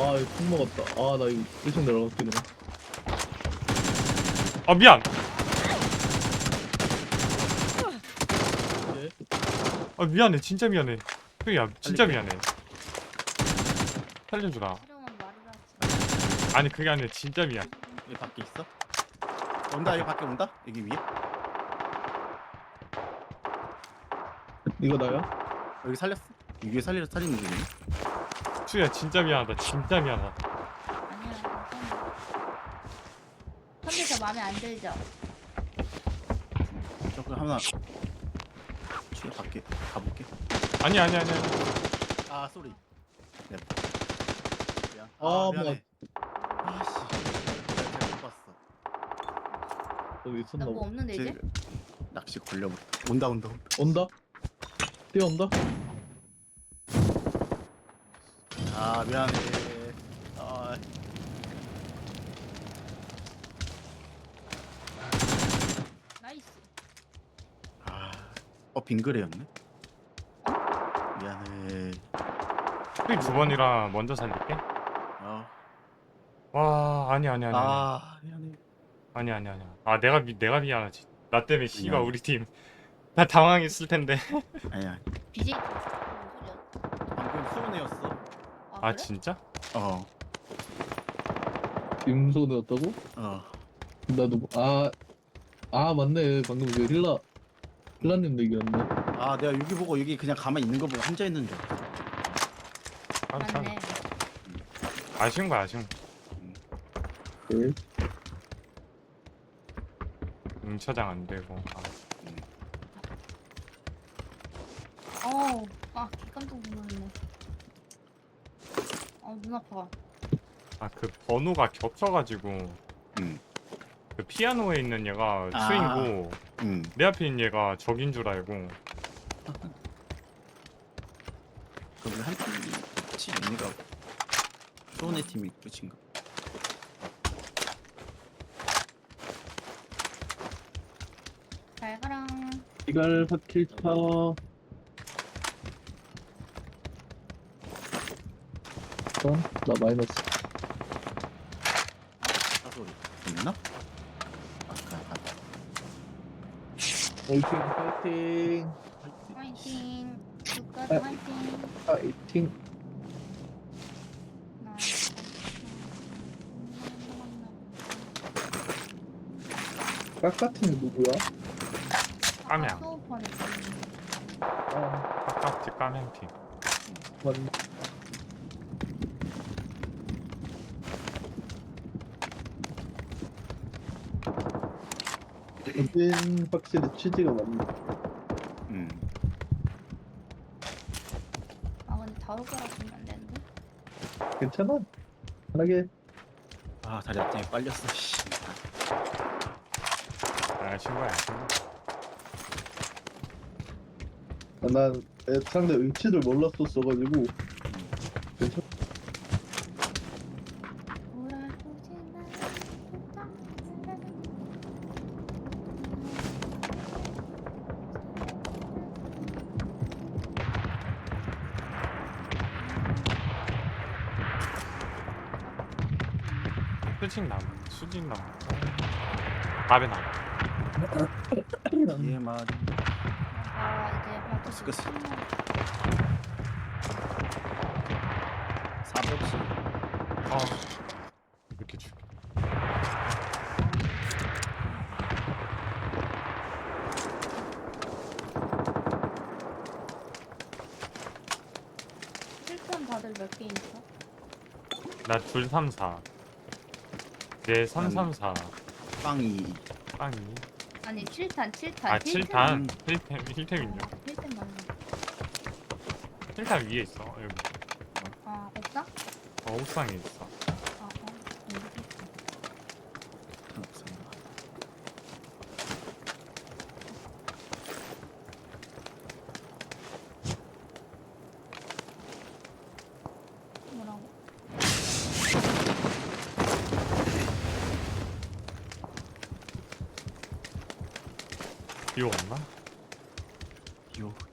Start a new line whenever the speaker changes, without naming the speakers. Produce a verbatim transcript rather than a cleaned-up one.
아 이거 콩 먹었다. 아 나 이거 일 층 내려갈게 그냥.
아 미안.
네.
아 미안해. 진짜 미안해. 형이야 진짜
살릴게.
미안해. 살려주라.
싫으면 말을 하지.
아니 그게 아니라 진짜 미안.
여기 밖에 있어? 온다 여기 밖에 온다? 여기 위에?
이거 나야?
여기 살렸어? 여기 위에 살리려 살리는 중이네.
수야 진짜 미안하다. 진짜 미안하다.
아니야, 괜찮아. 근데 저 마음에 안 들죠?
저거 하나 뒤에 밖에 가볼게.
아니 아니 아니 아니.
아 쏘리. 미안. 미안.
아,
아
뭐.
미안해. 아씨. 내가 잘못 봤어.
여기 있었나
나 뭐
봐.
없는데 이제?
쟤 낚시 걸려버렸다. 온다 온다 온다.
온다? 뛰어온다?
아 미안해. 아
나이스.
아. 어 빙그레였네. 미안해.
형이 두 번이라 먼저 살릴게.
아,
와 아니 아니 아니 아니
아 미안해.
아니 아니 아니. 아 내가 미 내가 미안하지. 나 때문에 씨가
아니.
우리 팀 다 당황했을 텐데.
아니야.
비제이 무슨 소리야?
방금 수은이었어.
아,
아
그래?
진짜?
어.
임소되었다고?
어.
나도 뭐- 아, 아 맞네. 방금 그 힐라 힐라님 얘기였네.
아 내가 여기 보고 여기 그냥 가만히 있는 거 보고 혼자 있는 줄. 알았어.
아, 참.
맞네.
아쉬운 거야 아쉬운 거.
네.
응처장 안 되고. 아.
어우, 아, 개 깜짝 놀랐네. 어, 눈 아파.
아 그 번호가 겹쳐가지고
응.
그 피아노에 있는 얘가
아.
수인고
응.
내 앞에 있는 얘가 적인 줄 알고.
그럼 한 팀이 끝이 얘네가 수은의 팀이 끝인가?
잘 가라.
이갈 파킬차. 어? 나 마이너스.
사소리 있나? 아까 아까.
화이팅 화이팅
화이팅. 국가도
아.
화이팅.
화이팅.
나.
깍같은 게 누구야?
까명.
소우펀에
아
아깝지 까명팀.
맞네. 여긴 확실히 취지가 맞네.
응.
아, 근데 다올 거라 보면 안 되는데?
괜찮아. 편하게.
아 다리 앞장에 빨렸어. 씨.
아쉬운 거야 아쉬운 거.
아, 난 애- 상대 위치를 몰랐었어가지고 괜찮아.
수직 나무 수직 나무. 밥에 나무.
얘 말이.
아, 이제 발톱이
끝.
참
사백씩.
아 이렇게 죽여.
실전 다들 몇 개 있어?
나 둘 삼 사. 얘 삼 삼 사.
빵이.
빵이.
아니, 칠 탄, 칠 탄.
아 칠 탄. 힐템 힐템 있냐?
일 탄 맞네.
칠 탄 위에 있어 여기.
아, 없어?
어 옥상에 있어.
아, 어. 여기 있어. 뭐라고?
비 왔나?
요